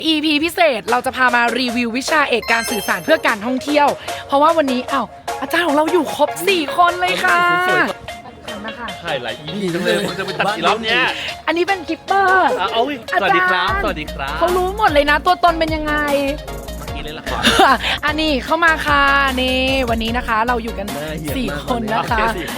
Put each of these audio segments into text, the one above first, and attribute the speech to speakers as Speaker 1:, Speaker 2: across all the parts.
Speaker 1: EP พิเศษเราจะพามารีวิววิชาเอกการสื่อสารเพื่อการท่องเที่ยวเพราะว่าวันนี้อาจารย์ของเราอยู่ครบ4 คนเลยค่ะนะคะ
Speaker 2: ใช่หลาย EP จังเลยมันจะไปตัดกี่รอบเนี่ย
Speaker 1: อันนี้เป็นกิปเปอร์
Speaker 2: สวัสดีครับสวัสดีครับ
Speaker 1: เขารู้หมดเลยนะตัวตนเป็นยังไง
Speaker 2: เล่นละคร
Speaker 1: อันนี้เข้ามาค่ะนี่วันนี้นะคะเราอยู่กัน4 คนนะคะ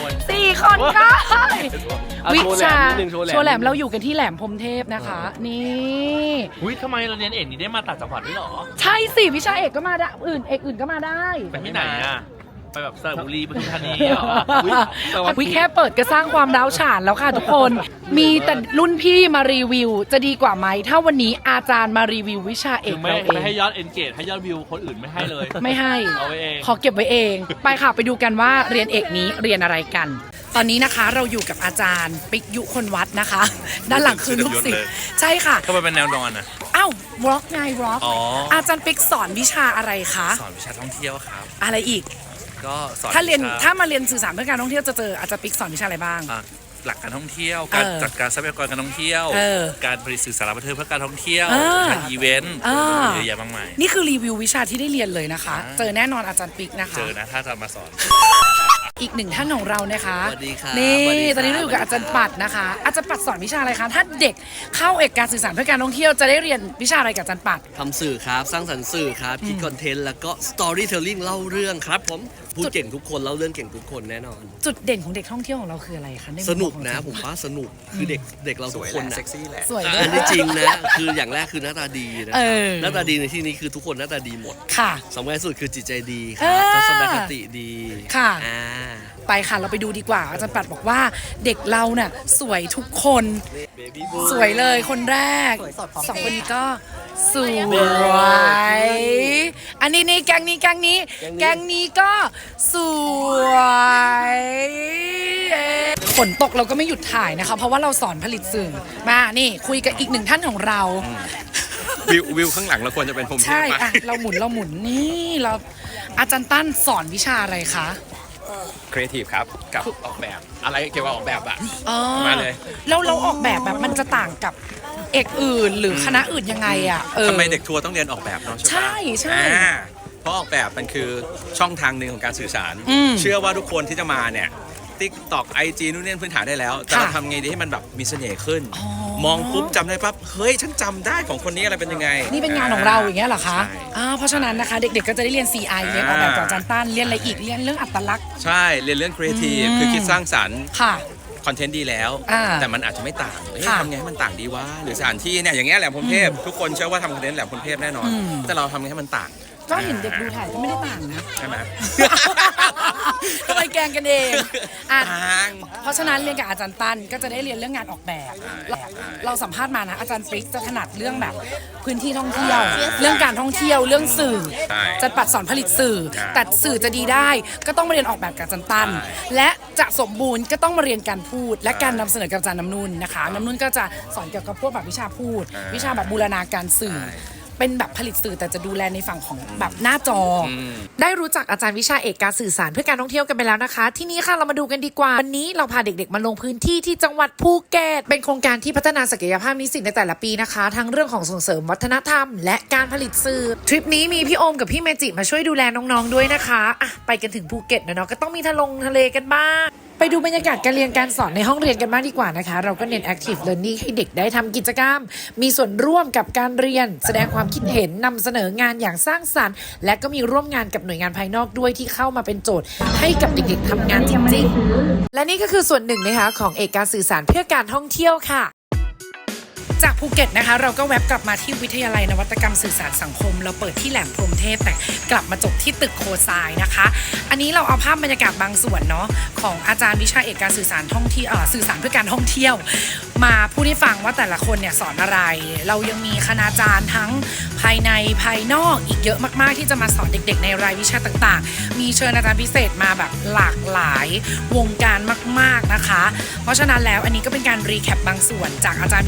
Speaker 1: 4 คนค่ะวิชาโชว์แหลมเราอยู่กันที่แหลมพรหมเทพนะคะนี่
Speaker 2: ทำไมเราเรียนเอกนี้ได้มาต่างจังหวัดด้วยหรอ
Speaker 1: ใช่สิวิชาเอกก็มาได้เอกอื่นก็มาได้
Speaker 2: ไปที่ไหนอ่ะไปแบบสระบุรีปทุมธานีเหรอ
Speaker 1: วิแค่เปิดก็สร้างความร้าวฉานแล้วค่ะทุกคนมีแต่รุ่นพี่มารีวิวจะดีกว่าไหมถ้าวันนี้อาจารย์มารีวิววิชาเอกเราเอง
Speaker 2: ไม่ให้ยอดเอนเกจให้ยอดวิวคนอื่นไม่ให้เลย
Speaker 1: ไม่ให้
Speaker 2: เอาไว้เอง
Speaker 1: ขอเก็บไว้เองไปค่ะไปดูกันว่าเรียนเอกนี้เรียนอะไรกันตอนนี้นะคะเราอยู่กับอาจารย์ปิกยุคนวัดนะคะด้านหลังคือลูกศิษย์ใช่ค่ะ
Speaker 2: ทำไมเป็นแนวนอนอ่ะ
Speaker 1: วอล์กไงวอล์กอาจารย์ปิกสอนวิชาอะไรคะ
Speaker 2: สอนวิชาท่องเที่ยวครับ
Speaker 1: อะไรอีก
Speaker 2: ก็สอน
Speaker 1: ถ้ามาเรียนสื่อสารเพื่อการท่องเที่ยวจะเจออาจารย์ปิ๊กสอนวิชาอะไรบ้าง
Speaker 2: หลักการท่องเที่ยวการจัดการทรัพยากรการท่องเที่ยวการผลิตสื่อสารบันเทิงเพื่อการท่องเที่ยวการอีเวนต์เยอะแยะมากมาย
Speaker 1: นี่คือรีวิววิชาที่ได้เรียนเลยนะคะเจอแน่นอนอาจารย์ปิ๊กนะคะ
Speaker 2: เจอนะถ้าจะมาสอน
Speaker 1: อีกหนึ่งท่านของเรานะคะ
Speaker 3: สวัสดีค่ะ
Speaker 1: นี่ตอนนี้เราอยู่กับอาจารย์ปัดนะคะอาจารย์ปัดสอนวิชาอะไรคะถ้าเด็กเข้าเอกการสื่อสารเพื่อการท่องเที่ยวจะได้เรียนวิชาอะไรกับอาจารย์ปัด
Speaker 3: ทำสื่อครับสร้างสรรค์สื่อครับคิดคอนเทนต์แล้วก็ storytelling เล่าเรื่องครับผมพูดเก่งทุกคนเล่าเรื่องเก่งทุกคนแน่นอน
Speaker 1: จุดเด่นของเด็กท่องเที่ยวของเราคืออะไรคะ
Speaker 3: สนุกนะผมว่าสนุกคือเด็กเราทุกคน
Speaker 2: เซ็กซี่แหละ
Speaker 1: สวย
Speaker 3: อันนี้จริงนะคืออย่างแรกคือหน้าตาดีนะหน้าตาดีในที่นี้คือทุกคนหน้าตาดีหมด
Speaker 1: ค่ะ
Speaker 3: สำคัญสุดคือจิตใจดีครับทัศนคติดี
Speaker 1: ค่ะไปค่ะเราไปดูดีกว่าอาจารย์ปัดบอกว่าเด็กเราเนี่ยสวยทุกคนสวยเลยคนแรก2 คนนี้ก็สวยอันนี้แกงนี้ก็สวยฝนตกเราก็ไม่หยุดถ่ายนะคะเพราะว่าเราสอนผลิตสื่อมานี่คุยกับอีกหนึ่งท่านของเรา
Speaker 2: วิวข้างหลังเราควรจะเป็นผม
Speaker 1: ใช่เราหมุนนี่เราอาจารย์ตั้นสอนวิชาอะไรคะ
Speaker 2: ครีเอทีฟครับกับออกแบบอะไรเกี่ยวกับออกแบบมาเลย
Speaker 1: เราออกแบบมันจะต่างกับเอกอื่นหรือคณะอื่นยังไง
Speaker 4: ทำไมเด็กทัวร์ต้องเรียนออกแบบเนาะ
Speaker 1: ใช่
Speaker 4: เพราะออกแบบมันคือช่องทางหนึ่งของการสื่อสารเชื่อว่าทุกคนที่จะมาเนี่ยTikTok IG นู่นนี่พื้นฐานได้แล้วแต่เราทำไงดีให้มันแบบมีเสน่ห์ขึ้นมองปุ๊บจำได้ปั๊บเฮ้ยฉันจำได้ของคนนี้อะไรเป็นยังไง
Speaker 1: นี่เป็นงานของเราอย่างเงี้ยเหรอคะเพราะฉะนั้นนะคะเด็กๆก็จะได้เรียน CI เรียนออกแบบกับอาจารย์ตั้นเรียนอะไรอีกเรียนเรื่องอัตลักษณ์
Speaker 4: ใช่เรียนเรื่อง Creative คือคิดสร้างสรรค์
Speaker 1: ค่ะ
Speaker 4: คอนเทนต์ดีแล้วแต่มันอาจจะไม่ต่างทำไงให้มันต่างดีวะหรือสถานที่เนี่ยอย่างเงี้ยแหลมพรหมเทพทุกคนเชื่อว่าทำคอนเทนต์แหลมพรหมเทพแน่นอนแต่เราทำไงให้มันต่าง
Speaker 1: ก็เห็นเด็กดูถ่ายก็ไม่ได้ต่างนะ
Speaker 4: ใช่ไหม
Speaker 1: ทำไมแกงกันเองเพราะฉะนั้นเรียนกับอาจารย์ตั้นก็จะได้เรียนเรื่องงานออกแบบเราสัมภาษณ์มานะอาจารย์ฟริกจะถนัดเรื่องแบบพื้นที่ท่องเที่ยวเรื่องการท่องเที่ยวเรื่องสื่อจะปัดสอนผลิตสื่อแต่สื่อจะดีได้ก็ต้องมาเรียนออกแบบกับอาจารย์ตั้นและจะสมบูรณ์ก็ต้องมาเรียนการพูดและการนำเสนอกับอาจารย์น้ำนุ่นนะคะน้ำนุ่นก็จะสอนเกี่ยวกับพวกแบบวิชาพูดวิชาแบบบูรณาการสื่อเป็นแบบผลิตสื่อแต่จะดูแลในฝั่งของแบบหน้าจอได้รู้จักอาจารย์วิชาเอกการสื่อสารเพื่อการท่องเที่ยวกันไปแล้วนะคะที่นี้ค่ะเรามาดูกันดีกว่าวันนี้เราพาเด็กๆมาลงพื้นที่ที่จังหวัดภูเก็ตเป็นโครงการที่พัฒนาศักยภาพนิสิตในแต่ละปีนะคะทั้งเรื่องของส่งเสริมวัฒนธรรมและการผลิตสื่อทริปนี้มีพี่โอมกับพี่เมจิมาช่วยดูแลน้องๆด้วยนะคะไปกันถึงภูเก็ตนะเนาะก็ต้องมีทะเลกันบ้างไปดูบรรยากาศการเรียนการสอนในห้องเรียนกันบ้างดีกว่านะคะเราก็เน้น active learning ให้เด็กได้ทำกิจกรรมมีส่วนร่วมกับการเรียนแสดงความคิดเห็นนำเสนองานอย่างสร้างสรรค์และก็มีร่วมงานกับหน่วยงานภายนอกด้วยที่เข้ามาเป็นโจทย์ให้กับเด็กๆทำงานจริงๆและนี่ก็คือส่วนหนึ่งนะคะของเอกการสื่อสารเพื่อการท่องเที่ยวค่ะจากภูเก็ตนะคะเราก็แวบกลับมาที่วิทยาลัยนวัตกรรมสื่อสารสังคมเราเปิดที่แหลมพรหมเทพแต่กลับมาจบที่ตึกโคทรายนะคะอันนี้เราเอาภาพบรรยากาศบางส่วนเนาะของอาจารย์วิชาเอกการสื่อสารท่องเที่ยวสื่อสารเพื่อการท่องเที่ยวมาพูดให้ฟังว่าแต่ละคนเนี่ยสอนอะไรเรายังมีคณาจารย์ทั้งภายในภายนอกอีกเยอะมากๆที่จะมาสอนเด็กๆในรายวิชาต่างๆมีเชิญอาจารย์พิเศษมาแบบหลากหลายวงการมากๆนะคะเพราะฉะนั้นแล้วอันนี้ก็เป็นการรีแคปบางส่วนจากอาจารย์วิชาเอก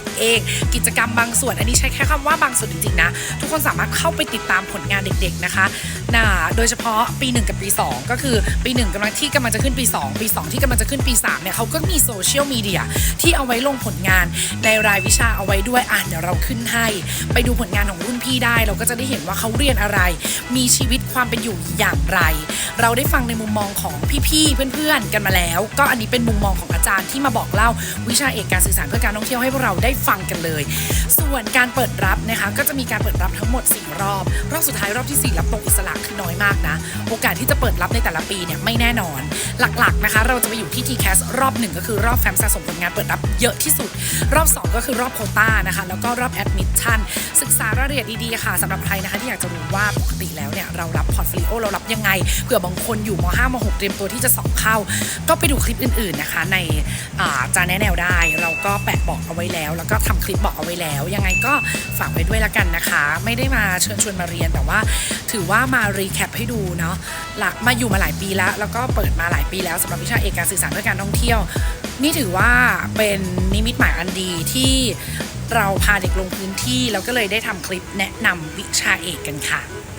Speaker 1: เองกิจกรรมบางส่วนอันนี้ใช้แค่คำว่าบางส่วนจริงๆนะทุกคนสามารถเข้าไปติดตามผลงานเด็กๆนะคะโดยเฉพาะปี1กับปี2ก็คือปี1กำลังจะขึ้นปี2ปี2ที่กำลังจะขึ้นปี3เนี่ยเขาก็มีโซเชียลมีเดียที่เอาไว้ลงผลงานในรายวิชาเอาไว้ด้วยเดี๋ยวเราขึ้นให้ไปดูผลงานของรุ่นพี่ได้เราก็จะได้เห็นว่าเขาเรียนอะไรมีชีวิตความเป็นอยู่อย่างไรเราได้ฟังในมุมมองของพี่ๆเพื่อนๆกันมาแล้วก็อันนี้เป็นมุมมองของอาจารย์ที่มาบอกเล่าวิชาเอกการสื่อสารเพื่อการท่องเที่ยวให้พวกเราได้ฟังกันเลยส่วนการเปิดรับนะคะก็จะมีการเปิดรับทั้งหมด4รอบสุดท้ายรอบที่4รับตรงอิสระคือน้อยมากนะโอกาสที่จะเปิดรับในแต่ละปีเนี่ยไม่แน่นอนหลักๆนะคะเราจะไปอยู่ที่ TCAS รอบ1ก็คือรอบแฟ้มสะสมผลงานเปิดรับเยอะที่สุดรอบ2ก็คือรอบโควต้านะคะแล้วก็รอบแอดมิชชั่นศึกษารายละเอียดดีๆค่ะสำหรับใครนะคะที่อยากจะรู้ว่าปกติแล้วเนี่ยเรารับพอร์ตโฟลิโอเรารับยังไงเผื่อบางคนอยู่ม.5 ม.6 เตรียมตัวที่จะสอบเข้าก็ไปดูคลิปอื่นๆนะคะในจาแนะแนวได้เราก็แปะบอกเอาไว้แล้วแล้วก็ทำคลิปบอกเอาไว้แล้วยังไงก็ฝากไว้ด้วยละกันนะคะไม่ได้มาเชิญชวนมาเรียนแต่ว่าถือว่ามารีแคปให้ดูเนาะมาอยู่มาหลายปีแล้วก็เปิดมาหลายปีแล้วสำหรับวิชาเอกการสื่อสารเพื่อการท่องเที่ยวนี่ถือว่าเป็นนิมิตหมายอันดีที่เราพาเด็กลงพื้นที่แล้วก็เลยได้ทำคลิปแนะนำวิชาเอกกันค่ะ